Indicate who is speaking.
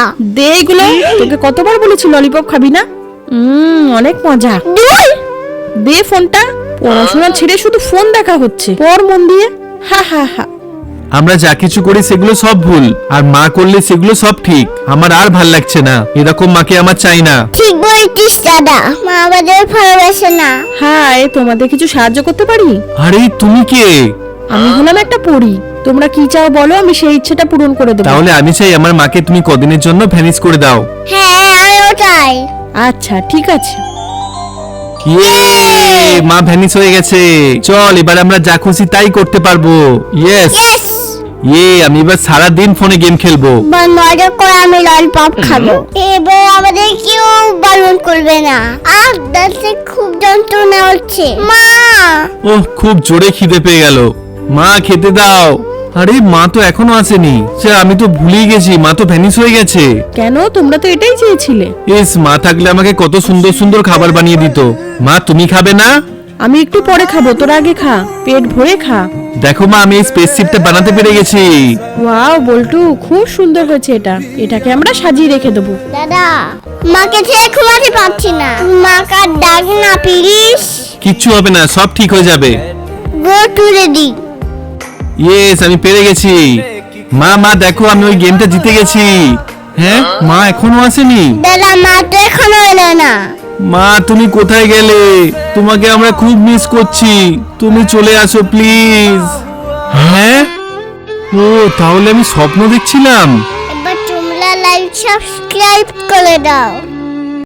Speaker 1: দে এগুলো। তোকে কতবার বলেছি ললিপপ খাবি না? অনেক মজা। দে ফোনটা। পড়াশোনা ছেড়ে শুধু ফোন দেখা হচ্ছে। পড় মন দিয়ে। হা হা হা।
Speaker 2: আমরা যা কিছু করি সেগুলো সব ভুল, আর মা করলে সেগুলো সব ঠিক। আমার আর ভাল লাগছে না, এরকম মাকে আমার চাই না।
Speaker 3: ঠিক বলেছিস দাদা, মা আমাদের ভালোবাসে না।
Speaker 1: হাই, তোমাদের কিছু সাহায্য করতে পারি?
Speaker 2: আরে তুমি কে?
Speaker 1: আমি হলাম একটা পরী। তোমরা কি চাও বলো, আমি সেই ইচ্ছেটা পূরণ করে দেবো।
Speaker 2: তাহলে আমি চাই আমার মাকে তুমি কদিনের জন্য ভ্যানিশ করে দাও।
Speaker 3: হ্যাঁ আমিও চাই।
Speaker 1: আচ্ছা ঠিক আছে।
Speaker 2: মা ভ্যানিশ হয়ে গেছে। চল এবার আমরা যা খুশি তাই করতে পারবো। ইয়েস। আমি এবার সারা দিন ফোনে গেম খেলবো।
Speaker 3: মজা করে আমি ললিপপ খাবো। এবার আমাদের কেউ বারণ করবে না। আর দাঁতে খুব যন্ত্রণা হচ্ছে। মা
Speaker 2: ওহ, খুব জোরে খিদে পেয়ে গেল। মা খেতে দাও। আরে মা তো এখনো আসেনি। আমি তো ভুলেই গেছি, মা তো ভ্যানিশ হয়ে গেছে।
Speaker 1: কেন? তোমরা তো এটাই চেয়েছিলে।
Speaker 2: মা থাকলে আমাকে কত সুন্দর সুন্দর খাবার বানিয়ে দিত। মা তুমি খাবে না?
Speaker 1: আমি একটু পরে খাবো, তোরা আগে খা, পেট ভরে খা।
Speaker 2: দেখো মা, আমি এই স্পেসশিপটা বানাতে পেরে গেছি।
Speaker 1: ওয়াও বল্টু, খুব সুন্দর হয়েছে এটা। এটাকে আমরা সাজিয়ে রেখে দেবো।
Speaker 3: দাদা, মাকে ছেড়ে ঘুমাতে পারছি না। মাকে ডাক না প্লিজ।
Speaker 2: কিচ্ছু হবে না, সব ঠিক হয়ে যাবে।
Speaker 3: Go to ready.
Speaker 2: আমি পেরে গেছি। মা দেখো, আমি ওই গেমটা জিতে গেছি। হ্যাঁ, মা এখনো আসেনি।
Speaker 3: দাদা, মা তো এখনো এলো না।
Speaker 2: মা তুমি কোথায় গেলে? তোমাকে আমরা খুব মিস করছি, তুমি চলে আসো প্লিজ। হ্যাঁ, ও তাহলে আমি স্বপ্ন দেখছিলাম।
Speaker 3: এবার তোমরা লাইক সাবস্ক্রাইব করে দাও।